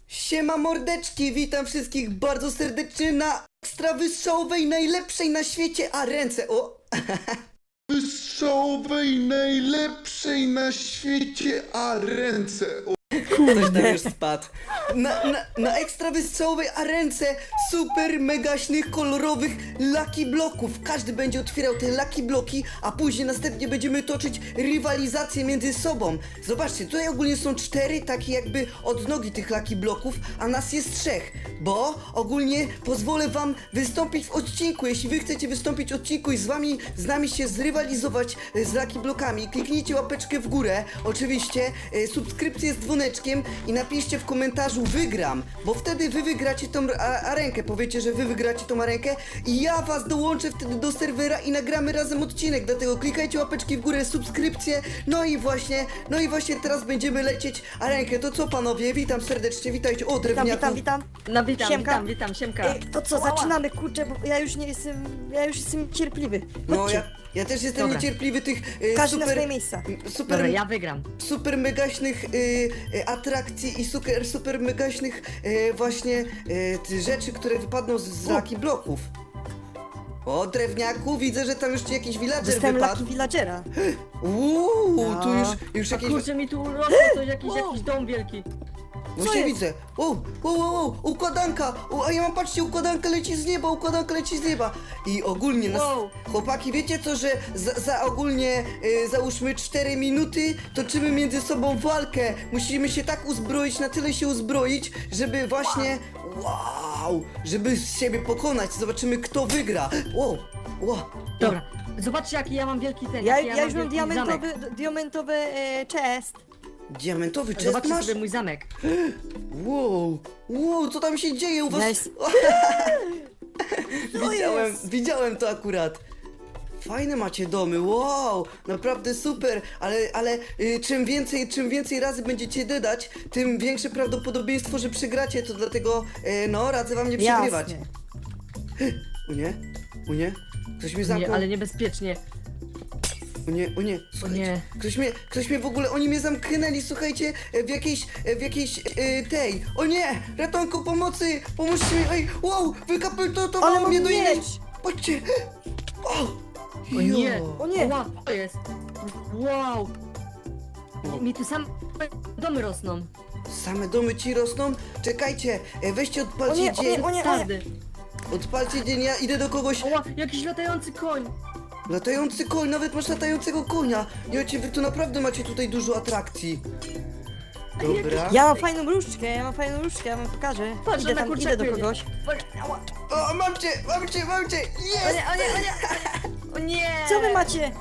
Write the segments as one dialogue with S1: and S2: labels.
S1: Siema mordeczki, witam wszystkich bardzo serdecznie na ekstra wystrzałowej, najlepszej na świecie, a ręce, o!
S2: Wystrzałowej, najlepszej na świecie, a ręce.
S1: Ktoś tam już spadł. Na ekstra wystrzałowej arence super megaśnych, kolorowych Lucky Bloków. Każdy będzie otwierał te Lucky Bloki, a później następnie będziemy toczyć rywalizację między sobą. Zobaczcie, tutaj ogólnie są 4 takie jakby odnogi tych Lucky Bloków, a nas jest 3. Bo ogólnie pozwolę wam wystąpić w odcinku. Jeśli wy chcecie wystąpić w odcinku i z nami się zrywalizować z Lucky Blokami, kliknijcie łapeczkę w górę, oczywiście subskrypcję z dzwoneczkiem i napiszcie w komentarzu wygram, bo wtedy wy wygracie tą arenkę, powiecie, że wy wygracie tą arenkę i ja was dołączę wtedy do serwera i nagramy razem odcinek, dlatego klikajcie łapeczki w górę, subskrypcję, no i właśnie teraz będziemy lecieć arenkę. To co panowie, witam serdecznie, witajcie, o drewniaku.
S3: Witam.
S4: No witam,
S3: Siemka.
S4: witam, siemka.
S3: Ej, to co, zaczynamy, kurczę, bo ja już jestem cierpliwy.
S1: No
S3: Chodźcie,
S1: ja też jestem
S4: Dobra.
S1: niecierpliwy tych
S3: każdy na swoje miejsca.
S1: super,
S4: Dobra, ja wygram.
S1: super megaśnych atrakcji i super megaśnych właśnie rzeczy, które wypadną z Lucky Bloków. O, drewniaku, widzę, że tam już jakiś villager
S3: Dostałem
S1: wypadł.
S3: Lucky Villagera.
S1: Tu
S3: No.
S1: już
S4: A
S1: jakieś...
S4: kurczę, mi tu urosło coś, jakiś dom wielki.
S1: Właśnie
S3: jest?
S1: widzę. Układanka. A ja mam, patrzcie, układanka leci z nieba. I ogólnie nas...
S4: Wow.
S1: Chłopaki, wiecie co, że za ogólnie, załóżmy 4 minuty, toczymy między sobą walkę. Musimy się tak uzbroić, na tyle się uzbroić, żeby właśnie... Wow! Żeby siebie pokonać. Zobaczymy, kto wygra. Wow.
S4: Dobra, zobaczcie jaki ja mam wielki ten,
S3: Ja
S4: jaki
S3: już mam
S4: wielki zamek.
S3: diamentowy chest.
S1: Diamentowy chest
S4: Zobaczcie
S1: masz?
S4: sobie mój zamek.
S1: Wow, co tam się dzieje u was?
S3: Nice.
S1: Widziałem to akurat. Fajne macie domy, wow, naprawdę super, ale czym więcej razy będziecie dodać, tym większe prawdopodobieństwo, że przegracie, to dlatego, radzę wam nie przegrywać.
S3: Jasne.
S1: U nie, ktoś mnie zamknął,
S4: Nie, ale niebezpiecznie.
S1: o nie, słuchajcie,
S4: nie.
S1: ktoś mnie w ogóle, oni mnie zamknęli, słuchajcie, w jakiejś tej, o nie, ratunku, pomocy, pomóżcie mi, ej, wow,
S3: Ale
S1: wykapitowało
S3: mam
S1: mnie do innej,
S3: miecz.
S1: patrzcie,
S4: O nie,
S3: O nie.
S4: Wow, to jest. Wow. Mi tu sam domy rosną.
S1: Same domy ci rosną? Czekajcie, weźcie odpalcie dzień.
S3: O nie.
S4: Każdy.
S1: Odpalcie dzień, ja idę do kogoś.
S4: Oła, jakiś latający koń.
S1: Latający koń, nawet masz latającego konia. Jocie, wy tu naprawdę macie tutaj dużo atrakcji. Dobra.
S3: Ja mam fajną różdżkę, ja wam pokażę.
S4: Patrz,
S3: Idę
S4: na
S3: tam,
S4: kurczaku
S3: idę do
S4: jedzie.
S3: kogoś.
S4: Ała.
S1: O, mam cię!
S4: O
S1: Jest!
S4: nie. O nie.
S3: Co wy macie?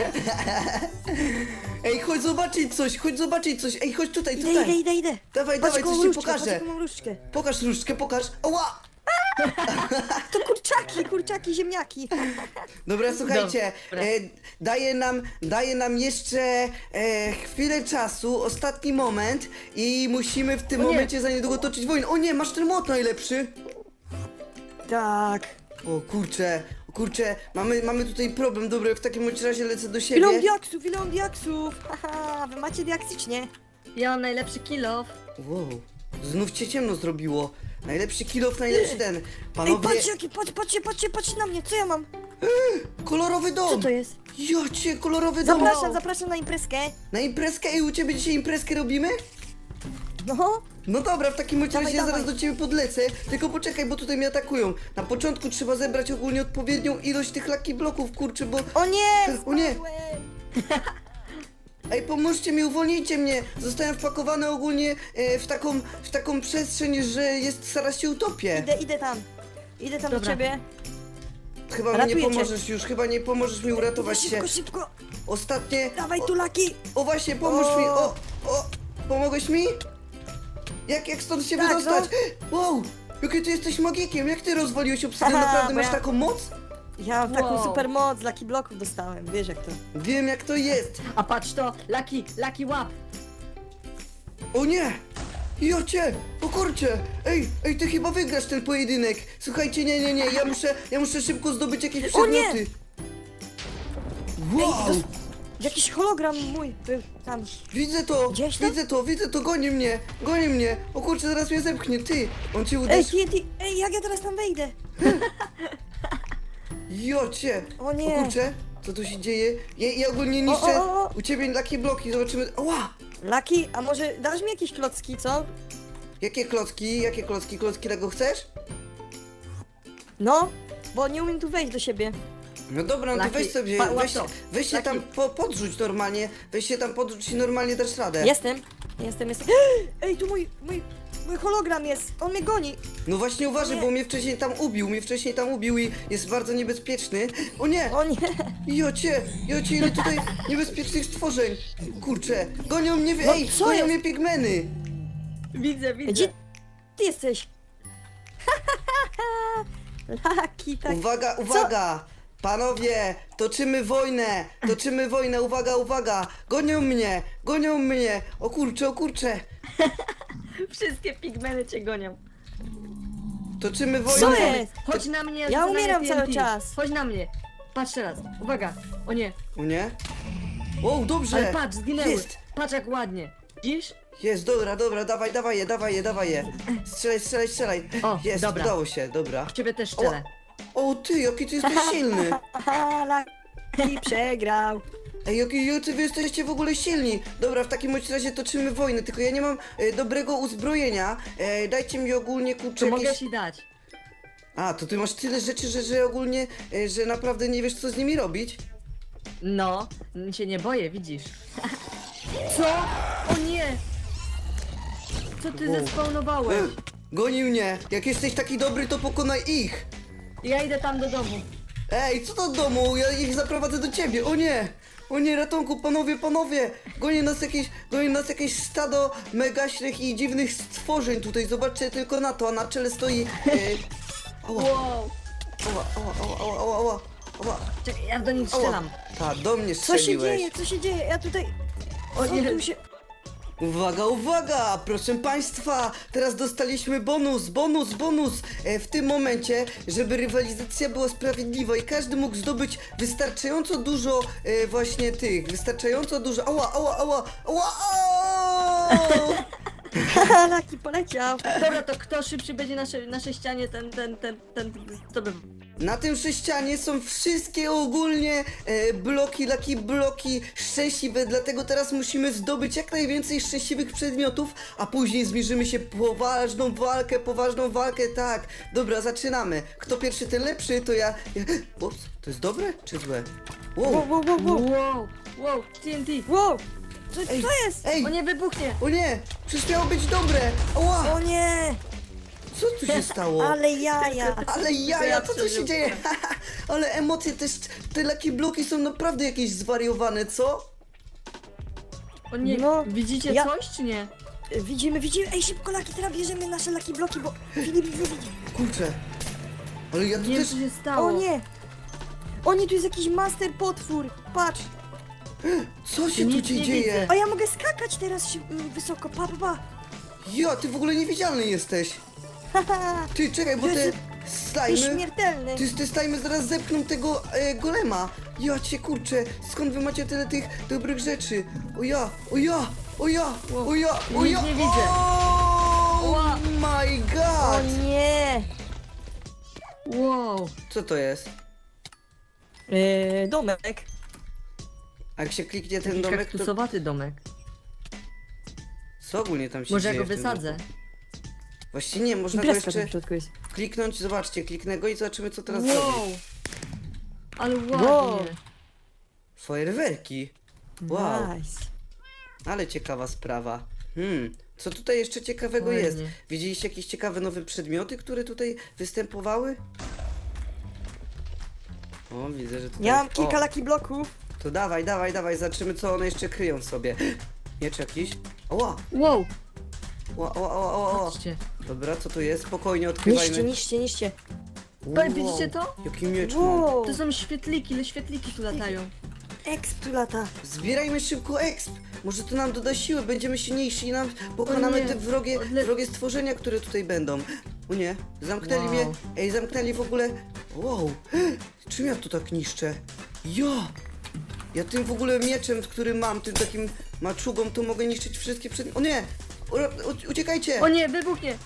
S1: Ej, chodź zobaczyć coś. Ej, chodź tutaj.
S3: Idę.
S1: Dawaj,
S3: Patrz,
S1: coś
S3: jaką
S1: ci
S3: różdżkę,
S1: pokażę.
S3: patrz, jaką mam różdżkę.
S1: Pokaż różdżkę, pokaż. Ała!
S3: To kurczaki, ziemniaki.
S1: Dobra, słuchajcie,
S4: Dobra.
S1: daje nam jeszcze chwilę czasu, ostatni moment i musimy w tym
S4: O nie.
S1: momencie za niedługo toczyć wojnę. O nie, masz ten młot najlepszy.
S3: Tak.
S1: O kurczę, mamy tutaj problem. Dobra, w takim bądź razie lecę do siebie.
S3: Ile on diaksów. Haha, wy macie diaksycznie.
S4: Ja mam najlepszy kill off.
S1: Wow, znów cię ciemno zrobiło. Najlepszy kill-off, najlepszy ten.
S3: Ej,
S1: Panowie,
S3: patrzcie na mnie, co ja mam?
S1: kolorowy dom.
S3: Co to jest?
S1: Jocie, kolorowy dom.
S3: Zapraszam na imprezkę.
S1: Na imprezkę i u ciebie dzisiaj imprezkę robimy?
S3: No.
S1: No dobra, w takim razie
S3: Dawaj,
S1: ja zaraz
S3: dawaj.
S1: do ciebie podlecę, tylko poczekaj, bo tutaj mnie atakują. Na początku trzeba zebrać ogólnie odpowiednią ilość tych Lucky Bloków, kurczę, bo...
S3: O nie,
S1: O nie.
S3: spadłem.
S1: Ej, pomóżcie mi, uwolnijcie mnie! Zostałem wpakowany ogólnie w taką przestrzeń, że zaraz się utopię.
S3: Idę tam do
S4: Dobra.
S3: ciebie.
S1: Chyba mi nie
S3: Ratuję cię.
S1: pomożesz już, chyba nie pomożesz mi uratować się.
S3: Szybko.
S1: Ostatnie...
S3: Dawaj tu Laki.
S1: O właśnie, pomóż
S3: O.
S1: mi! Pomogłeś mi? Jak stąd się
S3: Tak,
S1: wydostać? Wow! Jaki ty jesteś magikiem, jak ty rozwaliłeś obsydian?
S3: Aha,
S1: Naprawdę
S3: bo
S1: masz
S3: ja-
S1: taką moc?
S3: Ja mam taką
S4: Wow.
S3: super moc, Lucky bloków dostałem, wiesz jak to.
S1: Wiem jak to jest.
S4: A patrz to, Lucky łap.
S1: O nie! Jocie! O kurcze! Ej, ty chyba wygrasz ten pojedynek! Słuchajcie, nie, ja muszę szybko zdobyć jakieś
S3: O nie!
S1: przedmioty. Wow!
S3: Jakiś hologram mój był tam.
S1: Widzę to, goni mnie. O kurczę, zaraz mnie zepchnie, ty. On cię
S3: Ej,
S1: uderzy.
S3: TNT, ej, jak ja teraz tam wejdę?
S1: Jocie.
S3: O nie.
S1: O kurczę, co tu się dzieje? Ja ogólnie niszczę
S3: o.
S1: u ciebie takie bloki, zobaczymy. Ła!
S3: Laki, a może dasz mi jakieś klocki, co?
S1: Jakie klocki? Klocki Lego chcesz?
S3: No, bo nie umiem tu wejść do siebie.
S1: No dobra, no to
S4: Laki,
S1: weź sobie, weź się
S4: Laki.
S1: tam podrzuć normalnie, weź się tam podrzuć i normalnie dasz radę.
S3: Jestem. Ej, tu mój hologram jest, on mnie goni.
S1: No właśnie uważaj,
S3: Nie.
S1: bo mnie wcześniej tam ubił i jest bardzo niebezpieczny. O nie!
S3: O nie.
S1: Jocie, ile tutaj niebezpiecznych stworzeń. Kurczę, gonią mnie,
S3: No,
S1: ej,
S3: co
S1: gonią
S3: jest?
S1: mnie pigmeny.
S4: Widzę.
S3: Gdzie ty jesteś? Laki, tak.
S1: Uwaga! Panowie, toczymy wojnę, uwaga! Gonią mnie! O kurczę!
S4: Wszystkie pigmeny cię gonią.
S1: Toczymy wojnę!
S3: Co jest?
S4: Chodź na mnie,
S3: Ja
S4: rzucę na
S3: umieram
S4: mnie
S3: cały
S4: TNT.
S3: czas.
S4: Chodź na mnie. Patrz teraz. Uwaga. O nie.
S1: O nie? O, dobrze!
S4: Ale patrz, zginęły.
S1: Jest!
S4: Patrz jak ładnie. Widzisz?
S1: Jest, dobra, dawaj je. Strzelaj.
S4: O,
S1: Jest,
S4: dobra.
S1: udało się, dobra.
S4: W ciebie też strzelę.
S1: O ty, jaki ty jesteś silny!
S3: Aha, Laki przegrał.
S1: Ej, jacy wy jesteście w ogóle silni! Dobra, w takim bądź razie toczymy wojnę, tylko ja nie mam dobrego uzbrojenia. Dajcie mi ogólnie kurczę
S4: To mogę
S1: jakieś...
S4: ci dać.
S1: A, to ty masz tyle rzeczy, że ogólnie, że naprawdę nie wiesz co z nimi robić?
S4: No, się nie boję, widzisz. Co? O nie! Co ty zespawnowałeś?
S1: Goni mnie! Jak jesteś taki dobry, to pokonaj ich!
S4: Ja idę tam do domu.
S1: Ej, co do domu? Ja ich zaprowadzę do ciebie! O nie! O nie, ratunku, panowie! Goni nas jakieś stado megaśnych i dziwnych stworzeń tutaj, zobaczcie tylko na to, a na czele stoi... Ała,
S4: Wow.
S1: ała.
S4: Czekaj, ja do nich strzelam.
S1: Ta, do mnie
S3: Co się
S1: strzeliłeś.
S3: dzieje? Co się dzieje? Ja tutaj...
S4: O
S3: Co
S4: nie.
S3: tu się...
S1: Uwaga! Proszę Państwa, teraz dostaliśmy bonus! W tym momencie, żeby rywalizacja była sprawiedliwa i każdy mógł zdobyć wystarczająco dużo wystarczająco dużo... Ała!
S3: Haha, Laki poleciał.
S4: Dobra, to kto szybszy będzie na ścianie, ten to by...
S1: Na tym sześcianie są wszystkie ogólnie lucky bloki szczęśliwe, dlatego teraz musimy zdobyć jak najwięcej szczęśliwych przedmiotów, a później zmierzymy się poważną walkę, tak. Dobra, zaczynamy. Kto pierwszy, ten lepszy, to ja... Ups, to jest dobre czy złe? Wow.
S4: Wow, TNT.
S3: Wow. Co
S1: Ej,
S3: to jest?
S1: Ej,
S4: O nie, wybuchnie.
S1: o nie, przecież miało być dobre. Ała,
S3: O nie.
S1: co tu się stało?
S3: Ale jaja.
S1: Ale jaja, co tu się
S4: przeżył.
S1: dzieje? Ale emocje też, te lucky bloki są naprawdę jakieś zwariowane, co?
S4: O nie,
S3: No,
S4: widzicie
S3: ja-
S4: coś czy nie?
S3: Widzimy. Ej, szybko Laki, teraz bierzemy nasze Laki bloki, bo Filip widzi.
S1: Kurczę. Ale ja tu
S4: Nie wiem
S1: też...
S4: co się stało.
S3: O nie. O nie, tu jest jakiś master potwór. Patrz.
S1: Co się tu
S4: Nic nie
S1: dzieje?
S4: widzę.
S3: A ja mogę skakać teraz wysoko. Pa.
S1: Ja, ty w ogóle niewidzialny jesteś.
S3: Haha.
S1: Ty, czekaj, bo te
S3: Jezu,
S1: slajmy...
S3: Nieśmiertelny.
S1: Te slajmy zaraz zepchną tego golema. Ja cię kurczę, skąd wy macie tyle tych dobrych rzeczy? O ja.
S4: Nic nie widzę.
S1: Oh my
S3: O
S1: god!
S3: nie.
S4: Wow.
S1: Co to jest?
S3: Domek.
S1: A jak się kliknie ten
S4: Taki
S1: domek, to
S4: kaktusowaty domek.
S1: co ogólnie tam się
S4: Może ja
S1: dzieje
S4: go
S1: w tym
S4: wysadzę.
S1: domu? Właściwie nie, można go
S3: Imprezka tam
S1: jeszcze
S3: w środku jest.
S1: kliknąć, zobaczcie, kliknę go i zobaczymy co teraz zrobi.
S4: Wow. Ale
S3: Wow.
S4: ładnie.
S1: Fajerwerki. Wow.
S3: Nice.
S1: Ale ciekawa sprawa. Co tutaj jeszcze ciekawego
S4: Ładnie.
S1: jest? Widzieliście jakieś ciekawe nowe przedmioty, które tutaj występowały? O, widzę, że tutaj...
S3: Ja mam kilka
S1: O,
S3: Laki bloków.
S1: to dawaj, zobaczymy co one jeszcze kryją w sobie. Miecz jakiś? Oła,
S4: Wow.
S1: o.
S4: Patrzcie.
S1: Dobra, co tu jest? Spokojnie odkrywajmy.
S3: Niszcie.
S4: Widzicie to?
S1: Jaki miecz mam.
S3: Wow.
S4: To są świetliki, ile świetliki tu latają.
S3: Exp tu lata.
S1: Zbierajmy szybko exp. Może to nam doda siły, będziemy silniejsi i nam pokonamy
S4: nie.
S1: te wrogie stworzenia, które tutaj będą. O nie, zamknęli
S4: Wow.
S1: mnie. Ej, zamknęli w ogóle. Wow, czym ja tu tak niszczę? Ja! Ja tym w ogóle mieczem, który mam, tym takim maczugą, to mogę niszczyć wszystkie przedmioty. O nie! Uciekajcie!
S4: O nie, wybuchnie!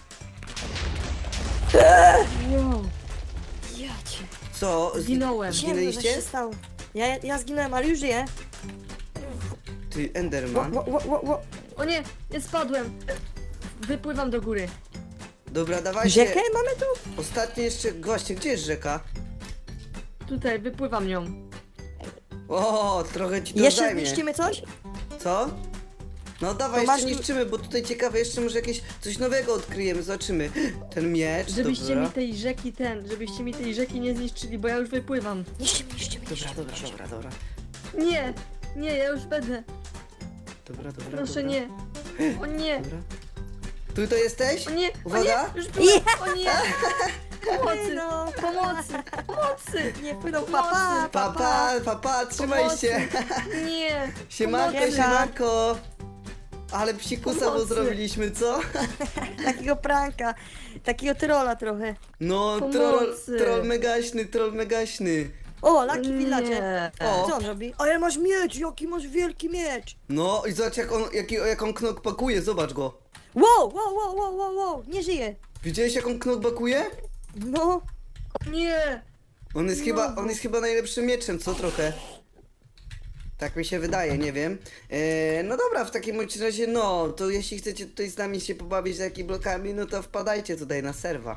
S4: Wow.
S3: Ja cię.
S1: Co?
S4: Zginąłem.
S3: Ciemno, co
S1: Zginęliście?
S3: się stało. Ja zginąłem, ale już żyję.
S1: Ty, Enderman.
S3: Ło.
S4: O nie, ja spadłem. Wypływam do góry.
S1: Dobra, dawajcie.
S3: Rzekę mamy tu?
S1: Ostatnie jeszcze, właśnie, gdzie jest rzeka?
S4: Tutaj, wypływam nią.
S1: O, trochę ci to
S3: Jeszcze
S1: zajmie.
S3: niszczymy coś?
S1: Co? No dawaj,
S3: To
S1: jeszcze
S3: masz tu-
S1: niszczymy, bo tutaj ciekawe, jeszcze może jakieś coś nowego odkryjemy, zobaczymy. Ten miecz,
S4: Żebyście
S1: dobra.
S4: mi tej rzeki żebyście mi tej rzeki nie zniszczyli, bo ja już wypływam.
S3: Niszczymy.
S1: Dobra.
S4: Nie, nie, ja już będę.
S1: Dobra.
S4: Proszę nie. O nie,
S1: Dobra. Tutaj jesteś?
S4: o nie,
S1: Uwaga.
S4: o nie, już byłem. O nie. Pomocy,
S3: No,
S4: pomocy.
S3: nie płyną, papa.
S1: Papa, trzymaj
S4: Pomocy.
S1: się.
S4: Nie.
S1: Siemanko,
S3: Pomocy.
S1: siemanko. Ale psikusa mu
S4: Pomocy.
S1: zrobiliśmy, co?
S3: Takiego pranka, takiego trolla trochę.
S1: No,
S4: Pomocy.
S1: troll megaśny.
S3: O, Lucky Villager.
S4: Nie.
S1: O.
S3: Co on robi? Ale masz miecz, jaki masz wielki miecz.
S1: No i zobacz jak on knok pakuje, zobacz go.
S3: Wow, nie żyje.
S1: Widziałeś jak on knok pakuje?
S3: No,
S4: Nie.
S1: On jest chyba najlepszym mieczem, co trochę? Tak mi się wydaje, nie wiem. No dobra, w takim bądź razie, no, to jeśli chcecie tutaj z nami się pobawić z Lucky blokami, no to wpadajcie tutaj na serwa.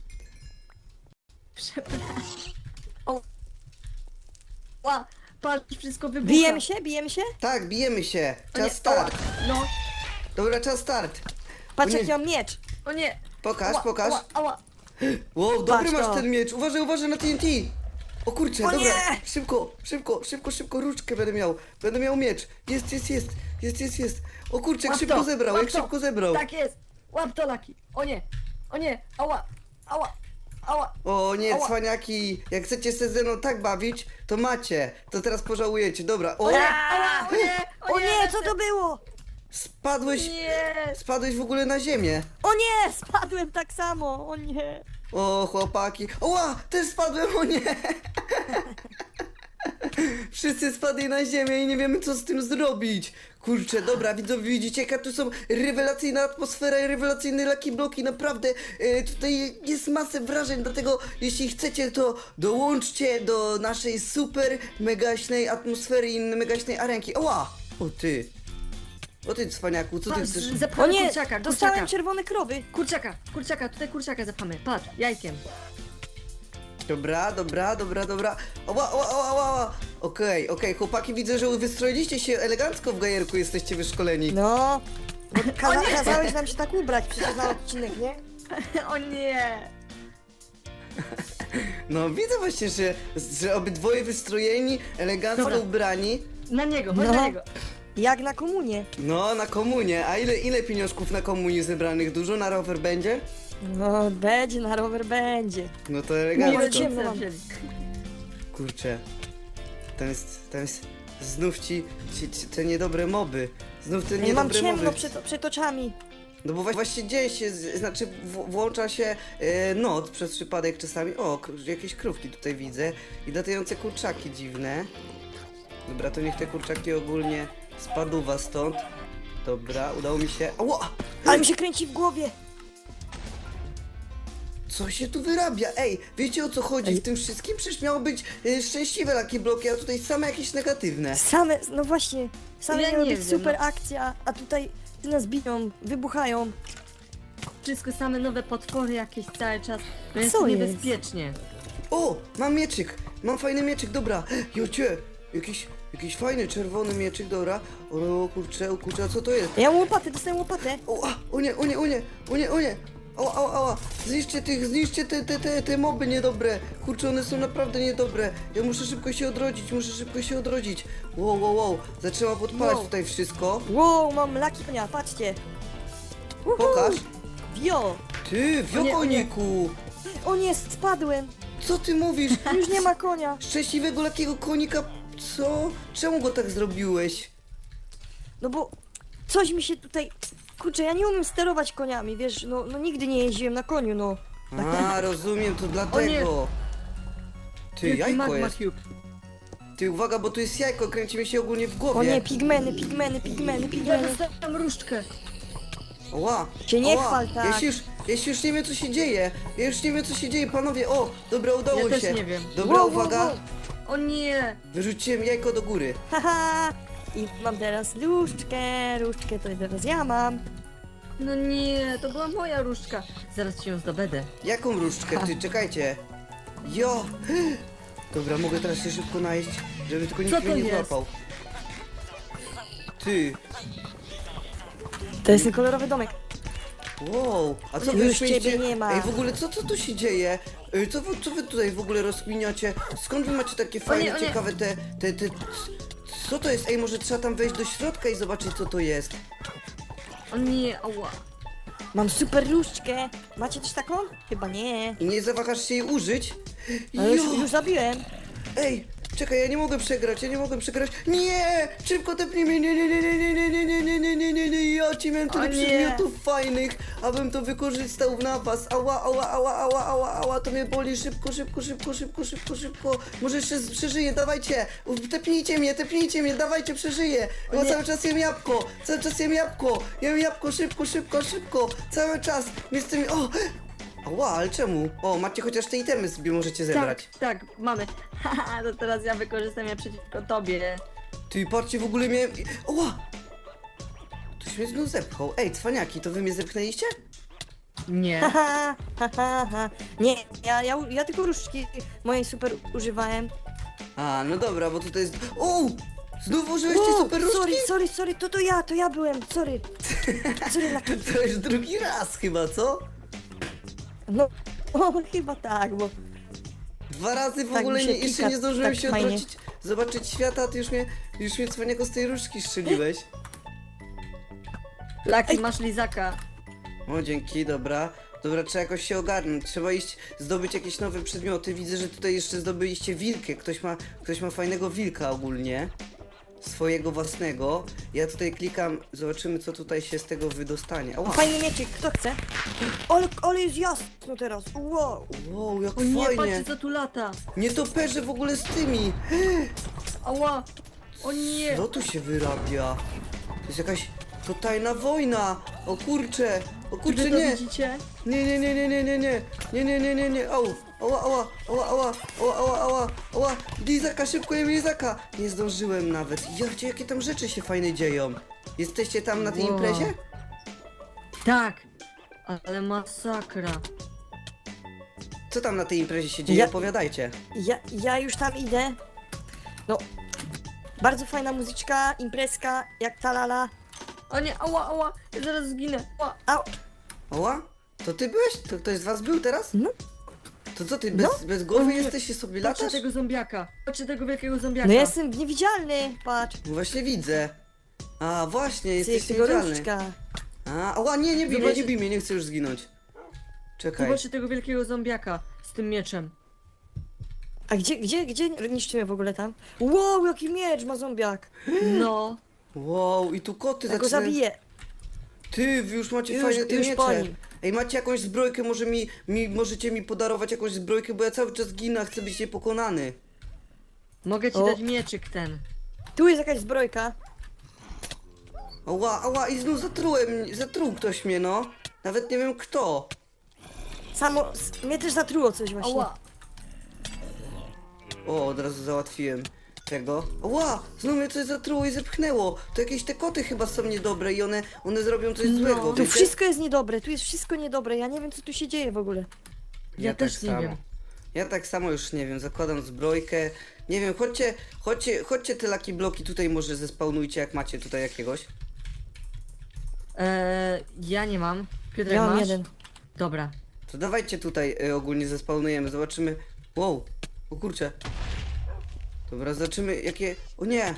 S4: Ła, patrz, wszystko wybucha.
S3: bijemy się?
S1: Tak, bijemy się.
S4: O nie,
S1: Czas start.
S4: No,
S1: Dobra, czas start.
S3: Patrz
S1: O nie.
S3: jaki mam miecz.
S4: o nie.
S1: Pokaż,
S4: Ała,
S1: pokaż.
S4: Ała.
S1: Wow, dobry
S3: Patrz
S1: masz
S3: to.
S1: ten miecz. Uważaj na TNT. O kurczę,
S3: O
S1: dobra.
S3: nie!
S1: Szybko, różdżkę będę miał. Będę miał miecz. Jest. O kurczę, jak
S4: Łap
S1: szybko
S4: to,
S1: zebrał,
S4: łap
S1: jak
S4: to.
S1: szybko zebrał.
S4: Tak jest. Łap to, Laki. O nie, ała.
S1: O nie,
S4: Ała.
S1: cwaniaki, jak chcecie się ze mną tak bawić, to macie. To teraz pożałujecie. Dobra, o,
S4: O nie, ała,
S3: O nie, co to było?
S1: spadłeś,
S4: Nie.
S1: spadłeś w ogóle na ziemię.
S3: O nie, spadłem tak samo, o nie.
S1: O, chłopaki. Oła, też spadłem, o nie. Wszyscy spadli na ziemię i nie wiemy co z tym zrobić. Kurczę, dobra, widzowie, widzicie jaka tu są rewelacyjna atmosfera i rewelacyjne Lucky bloki, naprawdę tutaj jest masę wrażeń, dlatego jeśli chcecie to dołączcie do naszej super megaśnej atmosfery i megaśnej arenki. Oła! O ty cwaniaku, co ty
S4: Patrz,
S1: chcesz?
S3: O
S4: zepchamy
S3: nie,
S4: kurczaka.
S3: dostałem czerwone krowy.
S4: Kurczaka, tutaj kurczaka zepchamy. Patrz, jajkiem.
S1: Dobra. Ała. Okej, chłopaki, widzę, że wystroiliście się elegancko w gajerku, jesteście wyszkoleni.
S3: No, bo kazałeś nam się tak ubrać przecież na odcinek, nie?
S4: O nie.
S1: No widzę właśnie, że obydwoje wystrojeni, elegancko
S4: Dobra.
S1: ubrani.
S4: Na niego, chodź
S3: No.
S4: na niego.
S3: Jak na komunie.
S1: No, na komunie. A ile pieniążków na komunii zebranych? Dużo na rower będzie?
S3: No, będzie, na rower będzie.
S1: No to
S3: Nie
S1: elegancko.
S3: będzie. ciemno mam.
S4: wzięli.
S1: Kurczę. Tam jest znów ci te niedobre moby. Znów te
S3: Ja mam
S1: niedobre
S3: ciemno
S1: moby.
S3: przed oczami.
S1: No bo właśnie dzieje się, znaczy włącza się noc przez przypadek czasami. O, jakieś krówki tutaj widzę i latające kurczaki dziwne. Dobra, to niech te kurczaki ogólnie spaduwa stąd. Dobra, udało mi się. Ała!
S3: Ale mi się kręci w głowie.
S1: Co się tu wyrabia? Ej, wiecie o co chodzi w tym wszystkim? Przecież miało być szczęśliwe Lucky bloki, a tutaj same jakieś negatywne.
S3: Same, no właśnie, same
S4: Ja
S3: miały
S4: nie
S3: być
S4: wiem,
S3: super
S4: no.
S3: akcja, a tutaj nas biją, wybuchają.
S4: Wszystko same nowe potwory jakieś cały czas. No jest
S3: Co
S4: tu
S3: jest?
S4: niebezpiecznie.
S1: O, mam mieczyk, mam fajny mieczyk, dobra. Jocie, jakiś fajny czerwony mieczyk, dobra. O kurczę, a co to jest?
S3: Ja mam łopatę, dostałem łopatę.
S1: O nie. Ała. Zniszczcie te moby niedobre. Kurczę, one są naprawdę niedobre. Ja muszę szybko się odrodzić. Wow. Zaczęła podpalać
S3: Wow.
S1: tutaj wszystko.
S3: Wow, mam laki konia, patrzcie. Uhu.
S1: Pokaż.
S3: Wio.
S1: Ty,
S4: O nie.
S1: wiokoniku.
S3: O nie, spadłem.
S1: Co ty mówisz?
S3: Już nie ma konia.
S1: Szczęśliwego lakiego konika. Co? Czemu go tak zrobiłeś?
S3: No bo coś mi się tutaj... Kurczę, ja nie umiem sterować koniami, wiesz, no nigdy nie jeździłem na koniu, no.
S1: A, rozumiem, to dlatego. Ty,
S4: Wielki
S1: jajko
S4: magma
S1: jest.
S4: cube.
S1: Ty uwaga, bo tu jest jajko, kręci mi się ogólnie w głowie.
S3: O nie, pigmeny, pigmeny, pigmeny,
S4: Ja
S3: pigmeny.
S4: dostałem różdżkę.
S1: Ła,
S3: Cię nie
S1: ła.
S3: chwal tak.
S1: Ja się już nie wiem co się dzieje. Ja już nie wiem co się dzieje, panowie. O, dobra, udało
S4: Ja
S1: się.
S4: też nie wiem.
S1: Dobra,
S3: Wow,
S1: uwaga.
S3: wow,
S4: O nie!
S1: Wyrzuciłem jajko do góry.
S3: Haha. I mam teraz różdżkę to teraz ja mam.
S4: No nie, to była moja różdżka. Zaraz ci ją zdobędę.
S1: Jaką różdżkę? Ty, czekajcie. Jo. Dobra, mogę teraz się szybko najeść, żeby tylko nikt
S4: Co
S1: mnie
S4: to
S1: nie
S4: jest?
S1: złapał. Ty,
S3: To jest ten kolorowy domek.
S1: wow, a co
S3: Już
S1: wy śmiejecie?
S3: ciebie nie ma.
S1: Ej, w ogóle co tu się dzieje? Co wy tutaj w ogóle rozkminiacie? Skąd wy macie takie fajne,
S4: o nie.
S1: ciekawe te... Co to jest? Ej, może trzeba tam wejść do środka i zobaczyć co to jest.
S4: O nie, ała.
S3: Mam super różdżkę. Macie też taką? Chyba nie.
S1: I nie zawahasz się jej użyć?
S3: Ale
S1: Jo!
S3: już zabiłem.
S1: Ej, czekaj, ja nie mogę przegrać. Nie! Szybko tepnij mnie, nie, ja ci miałem tyle
S4: O nie.
S1: przedmiotów fajnych, abym to wykorzystał w napas. Ała, to mnie boli, szybko. Może jeszcze przeżyję, dawajcie, tepnijcie mnie, dawajcie, przeżyję. Ja
S3: nie.
S1: cały czas jem jabłko, jem jabłko, szybko, cały czas. Mnie z tymi, o! Ała, ale czemu? O, macie chociaż te itemy sobie możecie zebrać.
S4: Tak, mamy. Haha, to teraz ja wykorzystam je przeciwko tobie.
S1: Ty, patrzcie, w ogóle miałem... Oła! Ktoś mnie znów zepchał. Ej, cwaniaki, to wy mnie zepchnęliście?
S4: Nie.
S3: Ha. Nie, ja tylko różdżki mojej super używałem.
S1: A, no dobra, bo tutaj jest... O! Znów użyłeście
S3: Wow,
S1: super różdżki?
S3: sorry, to ja byłem, sorry. Sorry, Lucky.
S1: To już drugi raz chyba, co?
S3: No, chyba tak, bo...
S1: 2 razy w
S3: Tak
S1: ogóle
S3: mi się
S1: jeszcze
S3: klika,
S1: nie zdążyłem
S3: tak
S1: się
S3: fajnie.
S1: odwrócić, zobaczyć świata, a ty już mnie cwaniako z tej różdżki strzeliłeś.
S4: Laki, masz lizaka.
S1: O, dzięki, dobra. Dobra, trzeba jakoś się ogarnąć. Trzeba iść zdobyć jakieś nowe przedmioty. Widzę, że tutaj jeszcze zdobyliście wilkę. Ktoś ma fajnego wilka ogólnie. Swojego własnego. Ja tutaj klikam, zobaczymy co tutaj się z tego wydostanie. Ała.
S3: Fajny mieczyk, kto chce? Ale jest jasno teraz, wow.
S1: Wow, jak
S4: O nie,
S1: fajnie.
S4: patrzcie co tu lata.
S1: Nie toperzę w ogóle z tymi.
S4: Ała. O nie.
S1: Co tu się wyrabia? To jest jakaś to tajna wojna. O kurcze,
S4: Czy wy to
S1: nie.
S4: widzicie?
S1: Nie. Au. Ała. Lizaka, szybko jem lizaka. Nie zdążyłem nawet. Jakie tam rzeczy się fajne dzieją. Jesteście tam na tej
S4: Wow.
S1: imprezie?
S4: Tak. Ale masakra.
S1: Co tam na tej imprezie się dzieje?
S3: Ja-
S1: Opowiadajcie.
S3: Ja już tam idę. No, bardzo fajna muzyczka, imprezka, jak talala.
S4: O nie, ała. Ja zaraz zginę. Ała.
S3: Au,
S1: Ała? To ty byłeś? To ktoś z was był teraz?
S3: No.
S1: To co ty,
S3: No.
S1: bez głowy
S4: O nie.
S1: jesteś i sobie
S4: Patrzcie
S1: latasz?
S4: tego zombiaka. Patrzcie tego wielkiego zombiaka.
S3: no jestem niewidzialny, patrz.
S1: No właśnie widzę. A właśnie,
S3: Ty
S1: jesteś
S3: jest tego
S1: niewidzialny.
S3: różdżka.
S1: Ała, nie bij mnie,
S4: Zobaczcie-
S1: nie bij mnie, nie chcę już zginąć. Czekaj.
S4: Zobaczcie tego wielkiego zombiaka z tym mieczem.
S3: A gdzie niszczymy w ogóle tam? Wow, jaki miecz ma zombiak.
S4: No.
S1: Wow, i tu koty
S3: Ja go
S1: zaczynają...
S3: zabiję.
S1: Ty, wy już macie
S3: Już-
S1: fajne te
S3: już po
S1: miecze.
S3: nim.
S1: Ej, macie jakąś zbrojkę, może możecie mi podarować jakąś zbrojkę, bo ja cały czas ginę, a chcę być niepokonany.
S4: Mogę ci
S3: O.
S4: dać mieczyk ten.
S3: Tu jest jakaś zbrojka.
S1: Ała, i znów zatruł ktoś mnie, no. Nawet nie wiem kto.
S3: Mnie też zatruło coś właśnie.
S4: Ała.
S1: O, od razu załatwiłem tego. Ała, znów mnie coś zatruło i zepchnęło. To jakieś te koty chyba są niedobre i one zrobią coś
S4: No.
S1: złego,
S3: Tu
S1: wiecie?
S3: wszystko jest niedobre, tu jest wszystko niedobre. Ja nie wiem co tu się dzieje w ogóle.
S4: Ja też nie wiem.
S1: Ja tak samo już nie wiem, zakładam zbrojkę. Nie wiem, chodźcie te laki bloki tutaj może zespawnujcie, jak macie tutaj jakiegoś.
S4: Ja nie mam. Piotrek,
S3: Ja mam
S4: masz?
S3: jeden.
S4: Dobra.
S1: To dawajcie tutaj ogólnie zespawnujemy, zobaczymy. Wow, o kurczę. Dobra, zobaczymy jakie... O nie!